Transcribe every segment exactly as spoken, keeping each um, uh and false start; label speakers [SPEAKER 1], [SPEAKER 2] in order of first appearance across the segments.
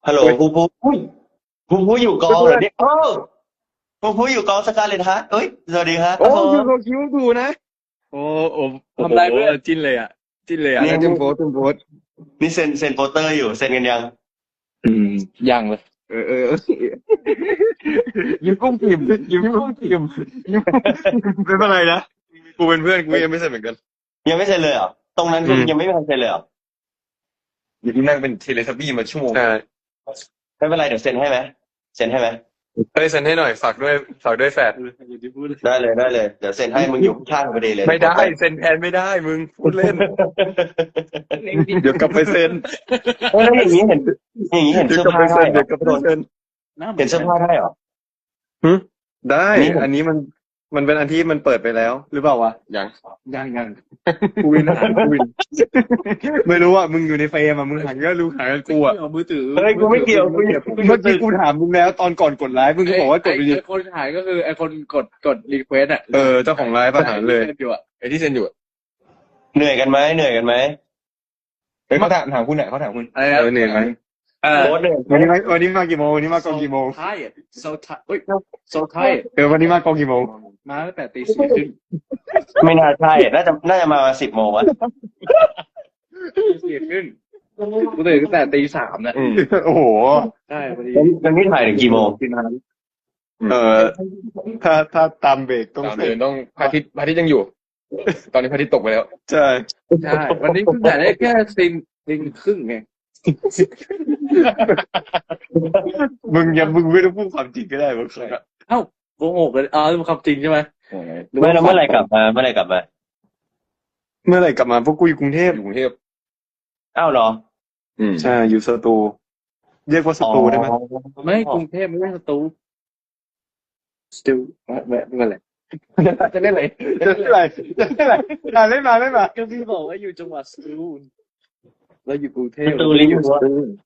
[SPEAKER 1] ฮัลโหล
[SPEAKER 2] เฮ้ย
[SPEAKER 1] ภูภูอุ้ยภูภูอยู่กองเหร
[SPEAKER 2] เพื่อน
[SPEAKER 1] อเนี่ยโอ้ภูภูอยู่กองสการ์เลตฮาร์ทเอ้ยสวัสดีครับ
[SPEAKER 2] โอ้
[SPEAKER 1] ครับผม
[SPEAKER 2] คือเขาคิ้วดูนะโอ้โอ้โอ้โห
[SPEAKER 3] ทำไรเพื่อน
[SPEAKER 2] จิ้นเลยอ่ะจิ้นเลยอ่ะ
[SPEAKER 1] นี่
[SPEAKER 2] แล้วจุ
[SPEAKER 1] นี่
[SPEAKER 2] มโพสจุมโพส
[SPEAKER 1] นี่เซ็นเซ็นโปสเตอร์อยู่เซ็นกันยัง
[SPEAKER 2] อืม
[SPEAKER 3] ยังเลย
[SPEAKER 2] เออเออเออยิ้มกุ้งกิ่มยิ้มกุ้งกิ่มยิ้มไม่เป็นไรนะกูเป็นเพื่อนกูยังไม่เสร็จเหมือนกัน
[SPEAKER 1] ยังไม่เซ็นเลยเหรอตรงนั้นคือ
[SPEAKER 2] อืม
[SPEAKER 1] ยังไม่มีใครเซ็นเลยเหรอ
[SPEAKER 3] อยู่ที่นั่งเป็นเทเลทับบี้มาชั่วโมง
[SPEAKER 2] ใช่
[SPEAKER 1] ไม่เป็นไรเดี๋ยวเซ็นให้ไหมเซ็นให้ไหม
[SPEAKER 2] เฮ้ยเซ็นให้หน่อยฝากด้วยฝากด้วยแฟด
[SPEAKER 1] ได้เลยได้เลยเดี๋ยวเซ็นให้มึงอยู่ข้างๆพอดีเลย
[SPEAKER 2] ไม่ได้เซ็นแทนไม่ได้มึงพูดเล่นเดี๋ยวกลับไปเซ็น
[SPEAKER 1] เออแล้วอย่างนี้เห็นอย่างนี้เห็น
[SPEAKER 2] เดี๋ยว
[SPEAKER 1] เสื้อก
[SPEAKER 2] ลับ
[SPEAKER 1] ผ้า
[SPEAKER 2] ไป
[SPEAKER 1] ได้
[SPEAKER 2] เซ็น
[SPEAKER 1] เหรอ
[SPEAKER 2] เดี๋ยวกลับไปเซ็น
[SPEAKER 1] เห็นเสื้อผ้าได้เหรอ
[SPEAKER 2] หึได้
[SPEAKER 1] นี่
[SPEAKER 2] อันนี้มันมันเป็นอันที่มันเปิดไปแล้ว หรือเปล่าวะ
[SPEAKER 3] ยัง
[SPEAKER 2] ยังยังกูวินหากูวิน ไม่รู้อ่ะมึงอยู่ในเฟรมอ่ะมึงหันก็รู้หากันกูอ่ะ
[SPEAKER 3] เอามือถือ
[SPEAKER 1] เฮ้ยกูไม่เกี่ยวกูไม่
[SPEAKER 2] เมื่อกี้กูถามมึงแล้วตอนก่อนกดไลฟ์มึงก็บอกว่ากดไป
[SPEAKER 3] ไอ้
[SPEAKER 2] ดิ
[SPEAKER 3] ไอ้คนถ่ายก็คือไอ้คนกดกดรีเควสอ่ะ
[SPEAKER 2] เออเจ้าของไลฟ์ประหารเลย
[SPEAKER 3] อยู่อ่ะ
[SPEAKER 2] ไอ้ที่เซ็นอยู่อะ
[SPEAKER 1] เหนื่อยกันไหมเหนื่อยกันไหม
[SPEAKER 2] เฮ้ยเขาถามถามคุณไหนเขาถามคุณ
[SPEAKER 3] อะไร
[SPEAKER 2] เอ
[SPEAKER 3] นะ
[SPEAKER 2] อเหนื่อยไหม
[SPEAKER 3] เออ
[SPEAKER 1] โค้ดเหนื่อย
[SPEAKER 2] วันนี้มาวันนี้มากี่โมงวันนี้มากองกี่โมง
[SPEAKER 3] ไทย so tired เฮ้ย so tired
[SPEAKER 2] เออวันนี้มากองกี่โมง
[SPEAKER 3] มาตั้งแต่ตีสี่ครึ่ง
[SPEAKER 1] ไม่น่าใช่น่าจะน่าจะมาสิบโมงวะ
[SPEAKER 3] ตีสี่ครึ่งกูตื่นตั้งแต่ตีสามน่ะ
[SPEAKER 2] โอ้โห
[SPEAKER 3] ใช่พอดี
[SPEAKER 1] แล้วนี่ถ่ายถึงกี่โมง
[SPEAKER 2] เออถ้าถ้าตามเบรกต้อง
[SPEAKER 4] ตาม
[SPEAKER 2] เสร็
[SPEAKER 4] เดิ
[SPEAKER 2] จ
[SPEAKER 4] นต้องพระอาทิตย์พระอาทิตย์ยังอยู่ ตอนนี้พระอาทิตย์ตกไปแล้ว
[SPEAKER 2] ใช่
[SPEAKER 3] ใช่วันนี้เพิ่งถ่ายได้แค่ซีนซีนครึ่งไง
[SPEAKER 2] มึงอย่ามึงไม่ต้องพูดความจริงก็ได้มึง
[SPEAKER 3] เอ้าโกหกเลยอ๋อเป็นความจริงใช่ไหม
[SPEAKER 1] เมื่อเมื่อไหรกลับมาเมื่อไหรกลับมา
[SPEAKER 2] เมื่อไหร่กลับมาพวกกูอยู่กรุงเทพ
[SPEAKER 4] อยู่กรุงเทพ
[SPEAKER 1] อ้าวเหรอ
[SPEAKER 4] อืม
[SPEAKER 2] ใช่อยู่สตูเรียกว่าสตูได้ไหม
[SPEAKER 3] ไม่กรุงเทพไม่ใช่สตูสตูไม่ไม่ไม่เป็นไรจะเล่นอะไร
[SPEAKER 2] จะเล่นอะไรจะเล่นอะไรอ่ะเล่นมาเล่นมา
[SPEAKER 3] ก็พี่บอกว่าอยู่จังหวัดสตูลแล้วอยู่กรุงเทพ
[SPEAKER 1] สตูลอยู่
[SPEAKER 3] สตูล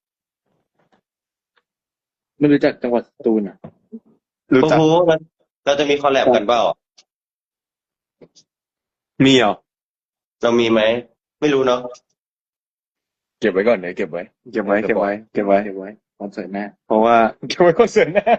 [SPEAKER 3] ไม่รู้จักจังหวัดสตูลอ่ะ
[SPEAKER 2] รู้
[SPEAKER 1] โอ้
[SPEAKER 2] จัก
[SPEAKER 1] โหเราจะมีคอลแลบกันเปล่า
[SPEAKER 2] มีเหรอ
[SPEAKER 1] เรามีไหมไม่รู้เนาะ
[SPEAKER 4] เก็บไว้ก่อนเดี๋ยวเก็บไว้
[SPEAKER 2] เก็บไว้เก็บไว้เก็บไว้
[SPEAKER 3] เก็บไว้คอนเสิร์ตหน้า
[SPEAKER 2] เพราะว่า
[SPEAKER 4] เก็บไว้คอนเสิร์ตหน้า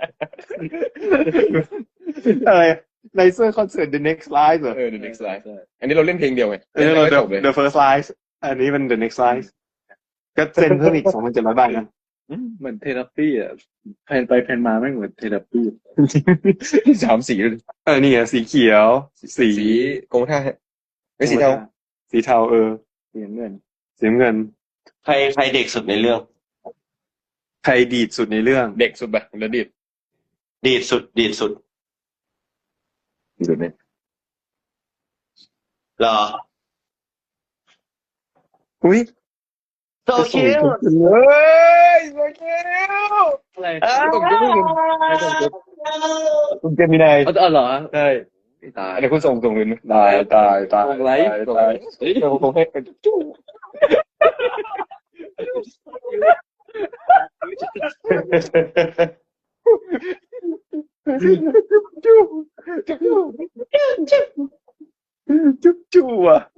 [SPEAKER 2] อะไรในเสื้อคอนเสิร์ต The Next Live เหรอ
[SPEAKER 4] เออ the next live อันนี้เราเล่นเพลงเดียวไง
[SPEAKER 2] เออ
[SPEAKER 4] เล่นไม่
[SPEAKER 2] The
[SPEAKER 4] จบเลย
[SPEAKER 2] The First Live อันนี้เป็น The Next Live ก็เซ็นเพิ่มอีกสองพันเจ็ดร้อยบาทนะ
[SPEAKER 3] เหมือนเทเลปีอ่ะแพนไปแพนมาไม่เหมือนเทเลปี
[SPEAKER 4] สามสีเลย
[SPEAKER 2] เออนี่ไงสีเขียว สี
[SPEAKER 4] สีกรมท่าไม่สีเทา
[SPEAKER 2] สีเทาเออ
[SPEAKER 3] เสียเงิน
[SPEAKER 2] สีน้ำเงิน
[SPEAKER 1] ใครใครเด็กสุดในเรื่อง
[SPEAKER 2] ใครดีดสุดในเรื่อง
[SPEAKER 4] เด็กสุดไปแล้วดิด
[SPEAKER 1] ดีดสุดดีดสุด
[SPEAKER 4] ดิดเนี่ย
[SPEAKER 1] เหรอ
[SPEAKER 2] อุ้ย
[SPEAKER 1] โซเชียล
[SPEAKER 2] เฮ้ยโอเค
[SPEAKER 3] อะไร
[SPEAKER 4] ต้องจุ๊บมึง
[SPEAKER 2] คุณเจมินาย
[SPEAKER 3] อ๋อเหรอ
[SPEAKER 2] ใช่
[SPEAKER 3] ตาย
[SPEAKER 4] อันนี้คุณส่งส่งเงินไหม
[SPEAKER 2] ตายตายตาย
[SPEAKER 3] ส่งไลฟ์
[SPEAKER 2] ตาย
[SPEAKER 4] เดี๋ยวผมให้เป็นจุ๊บ
[SPEAKER 2] จุ๊บจุ๊บจุ๊บจุ๊บอ่ะ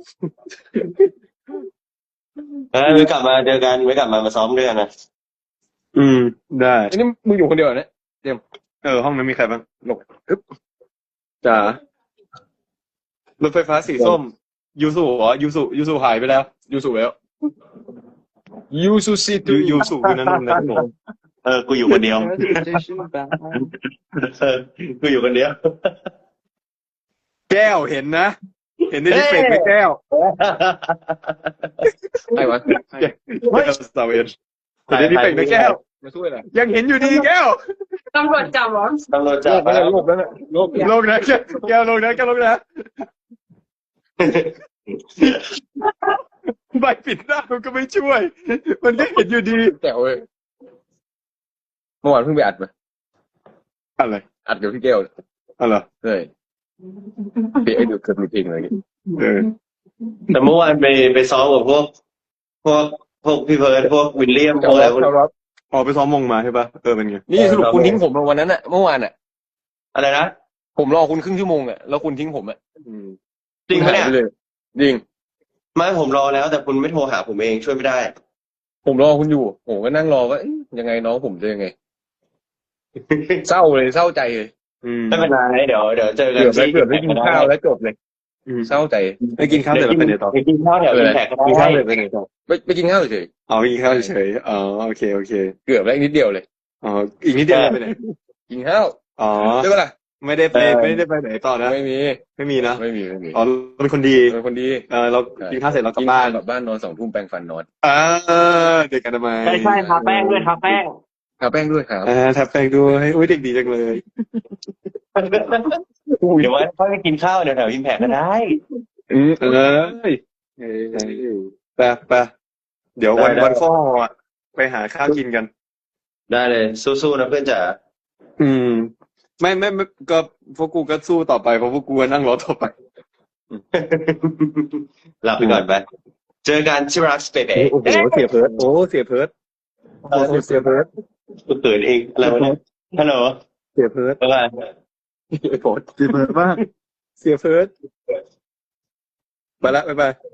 [SPEAKER 1] เออไว้กลับมาเจอกันไว้กลับมามาซ้อมด้วยกันนะ
[SPEAKER 2] อืมได้
[SPEAKER 4] อันนี้มึงอยู่คนเดียวเหรอเนี่ย
[SPEAKER 2] เออห้องนั้นมีใครบ้าง
[SPEAKER 4] หลบ
[SPEAKER 2] จ๋ารถไฟฟ้าสีส้มยูสุเหรอยูสุยูสุหายไปแล้ว
[SPEAKER 4] ยูสุแล้วยูสุซิ
[SPEAKER 2] ยู
[SPEAKER 4] ตี้
[SPEAKER 2] ยูสุอยู่นั่นนั่นนั่น
[SPEAKER 1] เออกูอยู่คนเดียวเออกูอยู่คนเดียว
[SPEAKER 2] แก้วเห็นนะ เห็นในที่เป็ดไหมแก้ว
[SPEAKER 4] ใครวะ
[SPEAKER 2] แก้วสตาร์เวนเห็นในที่เป็ดไหมแก้ว
[SPEAKER 4] มาช่วยหน่อย
[SPEAKER 2] ยังเห็นอยู่ดีแก้ว
[SPEAKER 5] ตำรวจจับเหรอ
[SPEAKER 1] ตำรวจจั
[SPEAKER 4] โล
[SPEAKER 1] บ
[SPEAKER 4] กแล้วโลกแล้วนะโลก
[SPEAKER 2] โลกนะแก้วแก้วโลกนะแก้วโลกนะใบปิดหน้ามันก็ไม่ช่วย มันก็เห็นอยู่ดี
[SPEAKER 4] แจ๋วเลยเมื่อวานเพิ่งไปอัดมา
[SPEAKER 2] อะไร
[SPEAKER 4] อัดกับพี่แก้ว
[SPEAKER 2] อะไร
[SPEAKER 4] ใช่เพลงไอ้ดูเกิดมีเพลงอะไรอย่างเงี้ย
[SPEAKER 2] เออ
[SPEAKER 1] แต่เมื่อวานไปไปซ้อมกับพวก พวกพวกพี่เพิร์ดพวกวิลเลียมพวกอะไรพวกนี้
[SPEAKER 2] ออกไปซ้อมมงมาใช่ปะเออเป็นไง
[SPEAKER 4] นี่สรุปคุณทิ้งผมวันนั้นอะเมื่อวานอะ
[SPEAKER 1] อะไรนะ
[SPEAKER 4] ผมรอคุณครึ่งชั่วโมงอะแล้วคุณทิ้งผมอะ
[SPEAKER 2] อืม
[SPEAKER 1] จริงปะเนี่ย
[SPEAKER 4] คุณหาไปเลยจริง
[SPEAKER 1] ไม่ผมรอแล้ว แต่คุณไม่โทรหาผมเองช่วยไม่ได้
[SPEAKER 4] ผมรอคุณอยู่ผมก็นั่งรอว่าเอ๊ะยังไงน้องผมจะยังไง เศร้าเลยเศร้าใจเลย
[SPEAKER 2] อืม
[SPEAKER 1] ไม่เป็นไรเดี๋ยวเดี๋ยวเจอกัน
[SPEAKER 4] เกือบแล้ว
[SPEAKER 1] ที่
[SPEAKER 4] เกือบได้กินข้าวแล้วจบเลย
[SPEAKER 2] อืม
[SPEAKER 4] เศร้าใจ
[SPEAKER 2] ไปกินข้าวเสร็จแล้วไปไหนต่อ
[SPEAKER 1] ไปกินข้าวแถวอิมแพคก็
[SPEAKER 2] กิน
[SPEAKER 1] ได้
[SPEAKER 2] ข้าวเสร็จไปไหนต่อ
[SPEAKER 4] ไปไปกินข้าวเฉย
[SPEAKER 2] อ๋อไปกินข้าวเฉยๆอ๋อโอเคโอเค
[SPEAKER 4] ๆเกือบแล้วอีกนิดเดียวเลย
[SPEAKER 2] อ๋ออีกนิดเดียวไปไหน
[SPEAKER 4] กินข้าว
[SPEAKER 2] อ๋อ
[SPEAKER 4] ใช่ปะล่ะ
[SPEAKER 2] ไม่ได้ไปไม่ได้ไปไหนต่อนะ
[SPEAKER 4] ไม่มี
[SPEAKER 2] ไม่มีนะ
[SPEAKER 4] ไม่มีไม่มี
[SPEAKER 2] อ๋อเราเป็นคนดี
[SPEAKER 4] เป็นคนดี
[SPEAKER 2] เออเรากินข้าวเสร็จเรากลับบ้าน
[SPEAKER 4] กลับบ้านนอนสองทุ่มแปรงฟันนอน
[SPEAKER 2] อ่าเด็กกันทำไม
[SPEAKER 1] ใช่ใช่ทาแป้งด้วยทาแป้ง
[SPEAKER 4] ทาแป้งด้วยครับ
[SPEAKER 2] อ่าทับแป้งด้วยอุ้ยเด็กดีจังเลย
[SPEAKER 1] เดี๋ยวว่าค่อยไปกินข้าวเดี๋ยวแถวอิมแพคก็ได้
[SPEAKER 2] อืมเออเออไปไปเดี๋ยววันวันข้ออ่ะไปหาข้าวกินกัน
[SPEAKER 1] ได้เลยสู้ๆนะเพื่อนจ๋า
[SPEAKER 2] อืม ไม่ไม่ไม่ก็พวกกูก็สู้ต่อไปเพราะพวกกูก็นั่งรอต่อไป
[SPEAKER 1] หลับไปก่อนไป เจอกันที่รักสเปเป
[SPEAKER 2] โอ้โหเสียเพิร์ดโอ้เสียเพิร์ดโอ้โหเสียเพิร์ด
[SPEAKER 1] เขินเองอะไรวะเนี่ยฮัลโหล
[SPEAKER 2] เสียเพิร์ด
[SPEAKER 1] บ๊ายบาย
[SPEAKER 2] เสียเพิร์ดมากเสียเพิร์ดไปละบ๊ายบาย